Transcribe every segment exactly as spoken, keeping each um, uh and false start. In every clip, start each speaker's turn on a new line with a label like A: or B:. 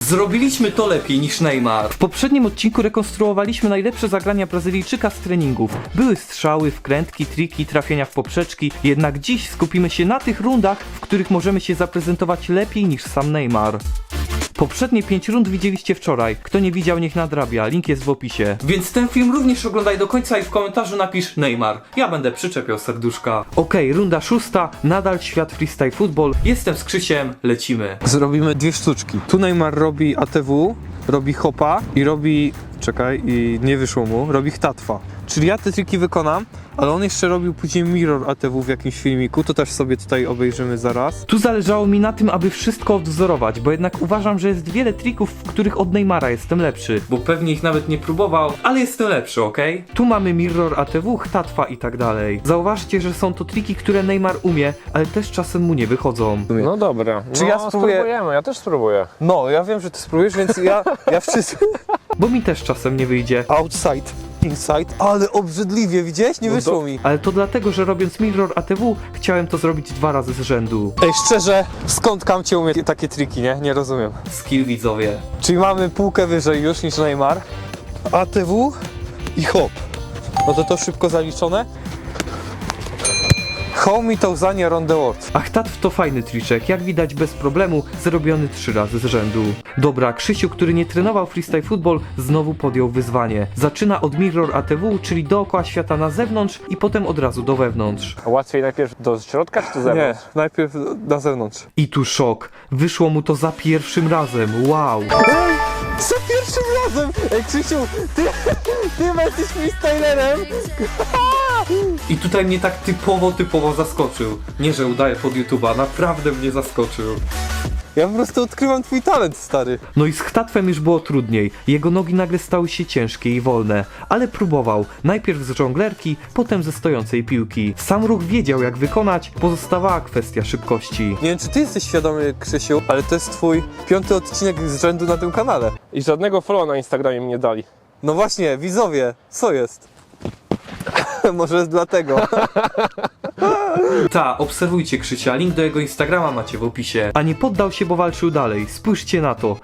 A: Zrobiliśmy to lepiej niż Neymar. W poprzednim odcinku rekonstruowaliśmy najlepsze zagrania Brazylijczyka z treningów. Były strzały, wkrętki, triki, trafienia w poprzeczki, jednak dziś skupimy się na tych rundach, w których możemy się zaprezentować lepiej niż sam Neymar. Poprzednie pięć rund widzieliście wczoraj. Kto nie widział, niech nadrabia. Link jest w opisie. Więc ten film również oglądaj do końca i w komentarzu napisz Neymar. Ja będę przyczepiał serduszka. Okej, okay, runda szósta. Nadal świat freestyle football. Jestem z Krzysiem. Lecimy.
B: Zrobimy dwie sztuczki. Tu Neymar robi A T W, robi hopa i robi... Czekaj, i nie wyszło mu. Robi chtatwa. Czyli ja te triki wykonam, ale on jeszcze robił później mirror A T W w jakimś filmiku, to też sobie tutaj obejrzymy zaraz.
A: Tu zależało mi na tym, aby wszystko odwzorować, bo jednak uważam, że jest wiele trików, w których od Neymara jestem lepszy, bo pewnie ich nawet nie próbował, ale jestem lepszy, okej? Okay? Tu mamy mirror A T W, chtatwa i tak dalej. Zauważcie, że są to triki, które Neymar umie, ale też czasem mu nie wychodzą.
C: No dobra,
B: Czy
C: no,
B: ja spróbuję?
C: spróbujemy, ja też spróbuję.
B: No, ja wiem, że ty spróbujesz, więc ja, ja wszystko...
A: Bo mi też czasem nie wyjdzie.
B: Outside, inside, ale obrzydliwie, widziałeś? Nie
A: No
B: wyszło
A: do...
B: mi.
A: Ale to dlatego, że robiąc mirror A T W, chciałem to zrobić dwa razy z rzędu.
B: Ej, szczerze, skąd Kamcie umie takie triki, nie? Nie rozumiem.
A: Skill widzowie.
B: Czyli mamy półkę wyżej już niż Neymar. A T W i hop. No to to szybko zaliczone. Home i Tauzania Round the World.
A: A chtatw to fajny triczek, jak widać bez problemu, zrobiony trzy razy z rzędu. Dobra, Krzysiu, który nie trenował freestyle football, znowu podjął wyzwanie. Zaczyna od mirror A T W, czyli dookoła świata na zewnątrz i potem od razu do wewnątrz.
C: A łatwiej najpierw do środka czy do zewnątrz?
B: Nie, najpierw na zewnątrz.
A: I tu szok. Wyszło mu to za pierwszym razem. Wow.
B: Ej, za pierwszym razem! Ej, Krzysiu, ty, ty jesteś freestylerem!
A: I tutaj mnie tak typowo, typowo zaskoczył. Nie, że udaję pod YouTube'a, naprawdę mnie zaskoczył.
B: Ja po prostu odkrywam twój talent, stary.
A: No i z chtatwem już było trudniej. Jego nogi nagle stały się ciężkie i wolne. Ale próbował. Najpierw z żonglerki, potem ze stojącej piłki. Sam ruch wiedział jak wykonać, pozostawała kwestia szybkości.
B: Nie wiem, czy ty jesteś świadomy, Krzysiu, ale to jest twój piąty odcinek z rzędu na tym kanale.
C: I żadnego follow na Instagramie mi nie dali.
B: No właśnie, widzowie, co jest? Może jest dlatego.
A: Ta, obserwujcie Krzysia, link do jego Instagrama macie w opisie. A nie poddał się, bo walczył dalej. Spójrzcie na to.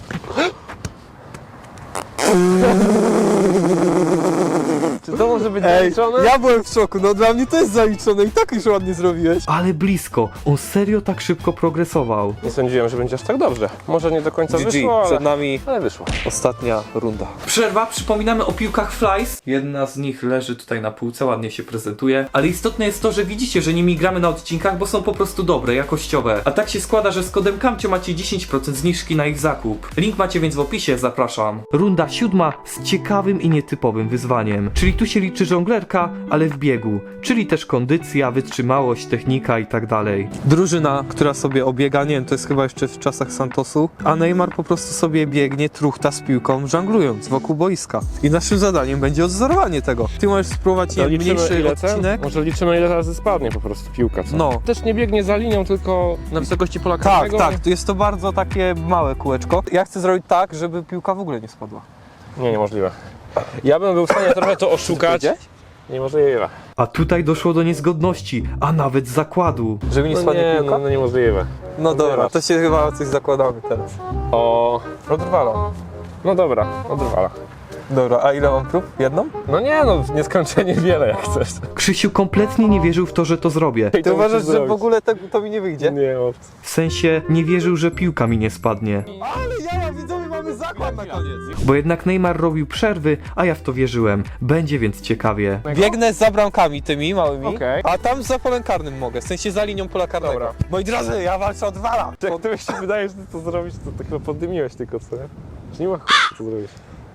C: Czy to może być
B: Ej,
C: zaliczone?
B: ja byłem w szoku, no dla mnie to jest zaliczone i tak już ładnie zrobiłeś.
A: Ale blisko. On serio tak szybko progresował.
C: Nie sądziłem, że będzie aż tak dobrze. Może nie do końca
B: G G,
C: wyszło, ale...
B: przed nami
C: ale wyszło.
B: ostatnia runda.
A: Przerwa, przypominamy o piłkach Flies. Jedna z nich leży tutaj na półce, ładnie się prezentuje. Ale istotne jest to, że widzicie, że nimi gramy na odcinkach, bo są po prostu dobre, jakościowe. A tak się składa, że z kodem Kamcio macie dziesięć procent zniżki na ich zakup. Link macie więc w opisie, zapraszam. Runda siódma z ciekawym i nietypowym wyzwaniem. Czyli tu się liczy żonglerka, ale w biegu. Czyli też kondycja, wytrzymałość, technika i tak dalej.
B: Drużyna, która sobie obiega, nie wiem, to jest chyba jeszcze w czasach Santosu, a Neymar po prostu sobie biegnie, truchta z piłką, żonglując wokół boiska. I naszym zadaniem będzie odzorowanie tego. Ty możesz spróbować, nie
C: To
B: wiem,
C: liczymy,
B: mniejszy
C: ile ten?
B: odcinek.
C: Może liczymy, ile razy spadnie po prostu piłka, co?
B: No.
C: Też nie biegnie za linią, tylko na wysokości pola
B: Tak,
C: karnego.
B: tak, to jest to bardzo takie małe kółeczko. Ja chcę zrobić tak, żeby piłka w ogóle nie spadła.
C: Nie, niemożliwe. Ja bym był w stanie trochę to oszukać. Niemożliwe.
A: A tutaj doszło do niezgodności, a nawet zakładu.
B: Żeby nie
C: No
B: spadnie
C: nie,
B: piłka?
C: no, no niemożliwe.
B: No dobra,
C: Zobacz.
B: to się chyba coś zakładamy teraz.
C: O, odwala. No dobra, odwala.
B: Dobra, a ile mam prób? Jedną?
C: No nie no, nieskończenie wiele jak chcesz.
A: Krzysiu kompletnie nie wierzył w to, że to zrobię.
B: Ty uważasz, że w ogóle to, to mi nie wyjdzie?
C: Nie, opcji.
A: W sensie nie wierzył, że piłka mi nie spadnie.
B: Ale ja, widzowie, mamy zakład na koniec.
A: Bo jednak Neymar robił przerwy, a ja w to wierzyłem. Będzie więc ciekawie.
B: Biegnę za bramkami tymi małymi,
C: Okej.
B: a tam za polem karnym mogę, w sensie za linią pola karnego.
C: Dobra.
B: Moi drodzy, ja walczę od dwala.
C: Jak ty się wydaje, że ty to zrobisz, to tak chyba poddymiłeś tylko, co nie? Że nie ma ch... co zrobić.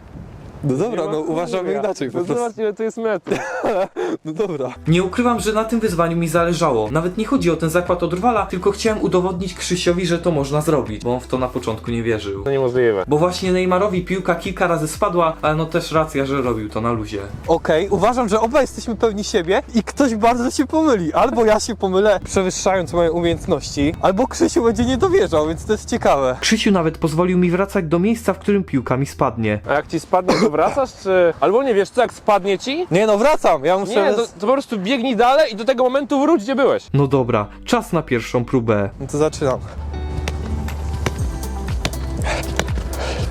B: No dobra,
C: Nie ma
B: no
C: chuja.
B: uważamy inaczej po
C: No
B: prostu.
C: zobacz, ile to jest metrów.
B: No dobra.
A: Nie ukrywam, że na tym wyzwaniu mi zależało. Nawet nie chodzi o ten zakład od rwala, tylko chciałem udowodnić Krzysiowi, że to można zrobić, bo on w to na początku nie wierzył.
C: To niemożliwe.
A: Bo właśnie Neymarowi piłka kilka razy spadła, ale no też racja, że robił to na luzie.
B: Okej, uważam, że obaj jesteśmy pewni siebie i ktoś bardzo się pomyli. Albo ja się pomylę, przewyższając moje umiejętności, albo Krzysiu będzie nie dowierzał, więc to jest ciekawe.
A: Krzysiu nawet pozwolił mi wracać do miejsca, w którym piłka mi spadnie.
C: A jak ci spadnie, to wracasz, czy... Albo nie wiesz co, jak spadnie ci?
B: Nie no, wracam, ja muszę...
C: Nie, to, to po prostu biegnij dalej i do tego momentu wróć, gdzie byłeś.
A: No dobra, czas na pierwszą próbę.
B: No to zaczynam.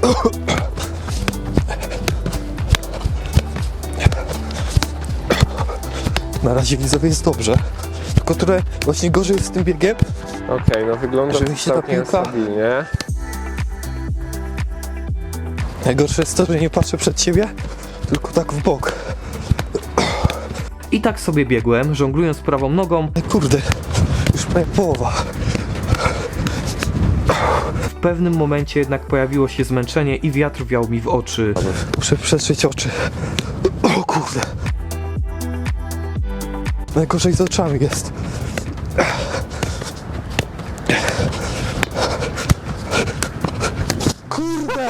B: Na razie widzowie jest dobrze. Tylko trochę właśnie gorzej jest z tym biegiem.
C: Okej, no wygląda
B: Żeby się ta
C: całkiem
B: piłka-
C: stabilnie.
B: Najgorsze jest to, że nie patrzę przed siebie, tylko tak w bok.
A: I tak sobie biegłem, żonglując prawą nogą.
B: Ej, kurde, już prawie połowa.
A: W pewnym momencie jednak pojawiło się zmęczenie i wiatr wiał mi w oczy.
B: Muszę przetrzeć oczy. O kurde. Najgorzej z oczami jest. Kurde!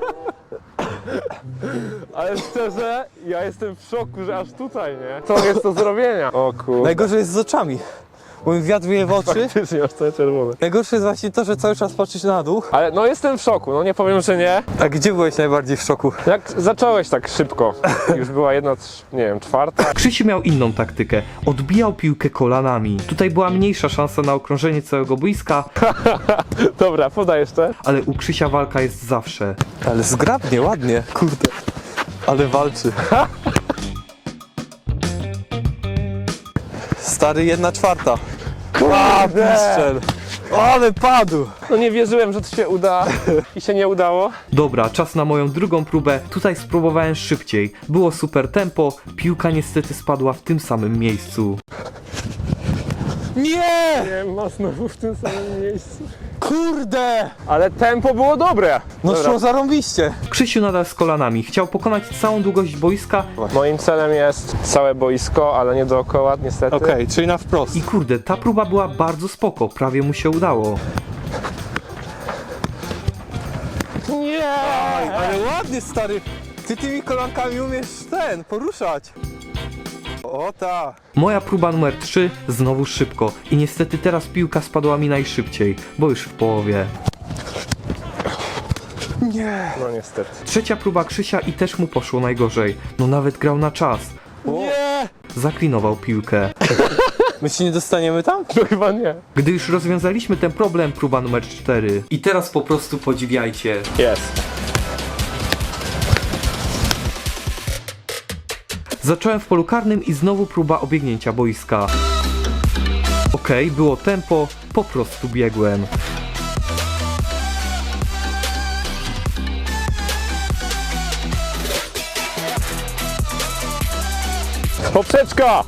C: Ale szczerze, ja jestem w szoku, że aż tutaj, nie? Co jest do zrobienia? O kurde.
B: Najgorzej jest z oczami. Bo mi wiatr wieje w oczy.
C: Faktycznie, aż całe czerwone.
B: Najgorsze jest właśnie to, że cały czas patrzysz na dół.
C: Ale no jestem w szoku, no nie powiem, że nie.
B: A gdzie byłeś najbardziej w szoku?
C: Jak zacząłeś tak szybko, już była jedna, trz- nie wiem, czwarta.
A: Krzysiu miał inną taktykę. Odbijał piłkę kolanami. Tutaj była mniejsza szansa na okrążenie całego boiska,
C: Dobra, podaj jeszcze.
A: ale u Krzysia walka jest zawsze.
B: Ale zgrabnie, ładnie. Kurde. Ale walczy. Stary, jedna czwarta.
C: Kurde!
B: Strzel. Ale padł.
C: No nie wierzyłem, że to się uda i się nie udało.
A: Dobra, czas na moją drugą próbę. Tutaj spróbowałem szybciej. Było super tempo, piłka niestety spadła w tym samym miejscu.
B: Nie!
C: Nie ma znowu w tym samym miejscu.
B: Kurde!
C: Ale tempo było dobre.
B: No
C: Dobra.
B: szło zarąbiście.
A: Krzysiu nadal z kolanami. Chciał pokonać całą długość boiska
C: Moim celem jest całe boisko, ale nie dookoła, niestety.
B: Okej, czyli na wprost.
A: i kurde, ta próba była bardzo spoko. Prawie mu się udało.
C: Nie!
B: Ale ładnie, stary. Ty tymi kolankami umiesz ten, poruszać. O ta.
A: Moja próba numer trzy, znowu szybko. I niestety teraz piłka spadła mi najszybciej, bo już w połowie.
B: Nie.
C: No niestety.
A: Trzecia próba Krzysia i też mu poszło najgorzej. No nawet grał na czas.
B: Nie.
A: Zaklinował piłkę.
B: My się nie dostaniemy tam?
C: No chyba nie.
A: Gdy już rozwiązaliśmy ten problem, próba numer cztery. I teraz po prostu podziwiajcie.
C: Jest.
A: Zacząłem w polu karnym i znowu próba obiegnięcia boiska. Okej, było tempo, po prostu biegłem.
C: Poprzeczka!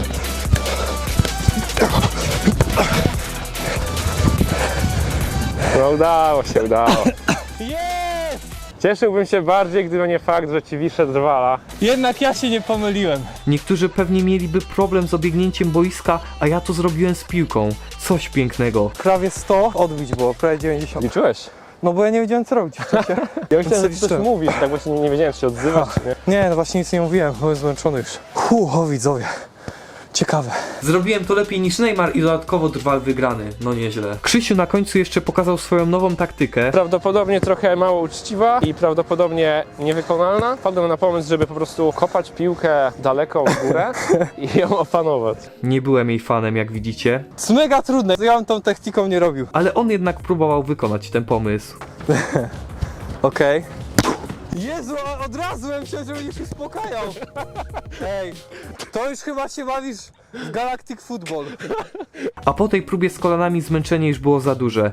C: No udało się, udało.
B: Jest!
C: Cieszyłbym się bardziej, gdyby nie fakt, że ci wiszę drwala.
B: Jednak ja się nie pomyliłem.
A: Niektórzy pewnie mieliby problem z obiegnięciem boiska, a ja to zrobiłem z piłką. Coś pięknego.
B: Prawie sto odbić było, prawie dziewięćdziesiąt.
C: Liczyłeś?
B: No bo ja nie wiedziałem co robić w czasie.
C: Ja myślałem, że ty coś
B: Liczyłem.
C: mówisz, tak właśnie nie, nie wiedziałem, czy się odzywasz, czy nie.
B: Nie, no właśnie nic nie mówiłem, byłem zmęczony już. Hu, o widzowie. Ciekawe.
A: Zrobiłem to lepiej niż Neymar i dodatkowo drwal wygrany. No nieźle. Krzysiu na końcu jeszcze pokazał swoją nową taktykę.
C: Prawdopodobnie trochę mało uczciwa i prawdopodobnie niewykonalna. Wpadłem na pomysł, żeby po prostu kopać piłkę daleko w górę i ją opanować.
A: Nie byłem jej fanem, jak widzicie.
B: To jest mega trudne, ja bym tą techniką nie robił.
A: Ale on jednak próbował wykonać ten pomysł.
B: Okej. Jezu, a od razu bym się, że będziesz uspokajał. Ej, to już chyba się bawisz w Galactic Football.
A: A po tej próbie z kolanami zmęczenie już było za duże.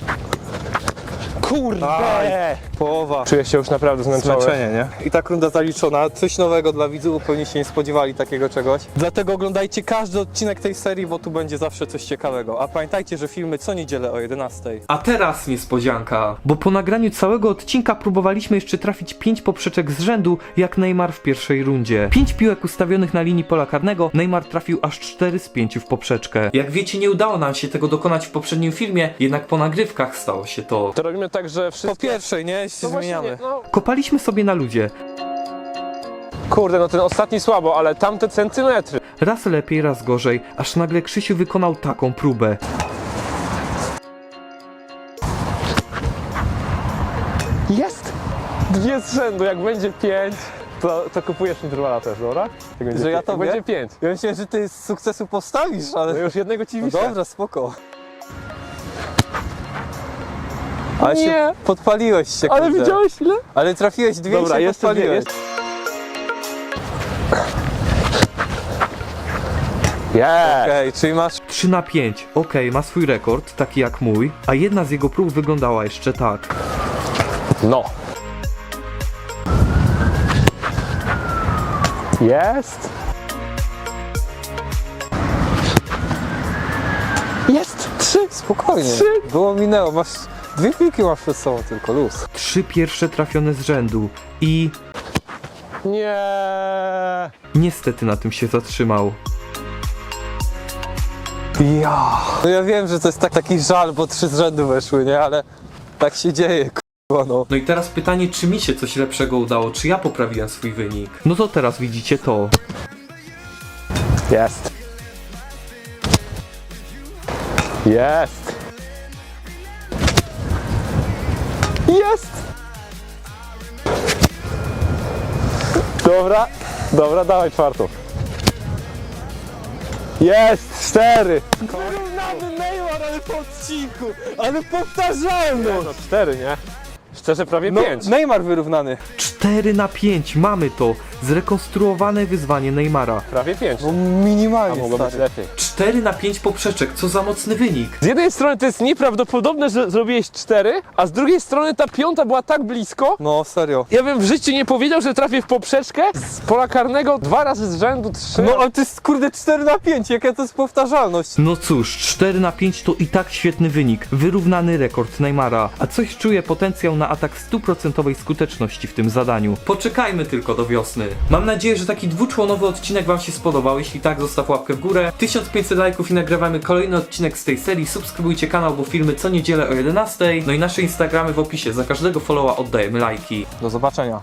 C: Kurde!
B: Połowa.
C: Czuję się już naprawdę zmęczony.
B: Zmęczenie, nie? I tak runda zaliczona. Coś nowego dla widzów, pewnie się nie spodziewali takiego czegoś. Dlatego oglądajcie każdy odcinek tej serii, bo tu będzie zawsze coś ciekawego. A pamiętajcie, że filmy co niedzielę o jedenastej.
A: A teraz niespodzianka, bo po nagraniu całego odcinka próbowaliśmy jeszcze trafić pięć poprzeczek z rzędu, jak Neymar w pierwszej rundzie. Pięć piłek ustawionych na linii pola karnego, Neymar trafił aż cztery z pięciu w poprzeczkę. Jak wiecie, nie udało nam się tego dokonać w poprzednim filmie, jednak po nagrywkach stało się to.
C: To robimy tak, że
B: Po
C: wszystkie...
B: pierwszej, nie? Się
C: No właśnie
B: zmieniamy.
C: nie, no.
A: Kopaliśmy sobie na ludzie.
C: Kurde, no ten ostatni słabo, ale tamte centymetry.
A: Raz lepiej, raz gorzej, aż nagle Krzysiu wykonał taką próbę.
C: Jest! Dwie z rzędu, jak będzie pięć, to, to kupujesz mi drwala też, dobra? Jak będzie
B: Że ja
C: pięć-
B: tobie?
C: Jak będzie pięć.
B: Ja myślałem, że ty z sukcesu postawisz,
C: No
B: ale...
C: już jednego ci
B: No
C: wiszę.
B: dobra, spoko. Ale
C: Nie.
B: się podpaliłeś się,
C: Ale
B: kurde.
C: widziałeś ile?
B: Ale trafiłeś dwie
C: Dobra,
B: i się
C: jeszcze dwie,
B: podpaliłeś.
C: jest. Yeah.
B: Okej, czyli masz...
A: trzy na pięć. Okej, ma swój rekord, taki jak mój, a jedna z jego prób wyglądała jeszcze tak.
C: No. Jest. Jest. Trzy.
B: Spokojnie.
C: Trzy.
B: Było minęło, masz... Dwie piłki masz przed sobą tylko, luz.
A: Trzy pierwsze trafione z rzędu i
C: Nie.
A: niestety na tym się zatrzymał.
B: Ja. No ja wiem, że to jest tak, taki żal, bo trzy z rzędu weszły, nie? Ale tak się dzieje, k***a, no.
A: No i teraz pytanie, czy mi się coś lepszego udało, czy ja poprawiłem swój wynik? No to teraz widzicie to.
C: Jest. Jest. Jest. Dobra. Dobra, dawaj czwartą. Jest. Cztery.
B: Wyrównany Neymar, ale po odcinku, ale powtarzalność.
C: No cztery, nie? Szczerze prawie
B: No,
C: pięć.
B: Neymar wyrównany.
A: cztery na pięć, mamy to. Zrekonstruowane wyzwanie Neymara.
C: Prawie pięć.
B: No
C: A
B: minimalnie,
C: mogło być
B: stary.
C: lepiej.
A: cztery na pięć poprzeczek, co za mocny wynik.
C: Z jednej strony to jest nieprawdopodobne, że zrobiłeś cztery, a z drugiej strony ta piąta była tak blisko.
B: No, serio.
C: Ja bym w życiu nie powiedział, że trafię w poprzeczkę z pola karnego dwa razy z rzędu, trzy.
B: No, ale to jest, kurde, cztery na pięć, jaka to jest powtarzalność.
A: No cóż, cztery na pięć to i tak świetny wynik. Wyrównany rekord Neymara. A coś czuję potencjał na atak stuprocentowej skuteczności w tym zadaniu. Poczekajmy tylko do wiosny. Mam nadzieję, że taki dwuczłonowy odcinek wam się spodobał. Jeśli tak, zostaw łapkę w górę. tysiąc pięćset lajków i nagrywamy kolejny odcinek z tej serii. Subskrybujcie kanał, bo filmy co niedzielę o jedenastej. No i nasze Instagramy w opisie. Za każdego followa oddajemy lajki.
B: Do zobaczenia.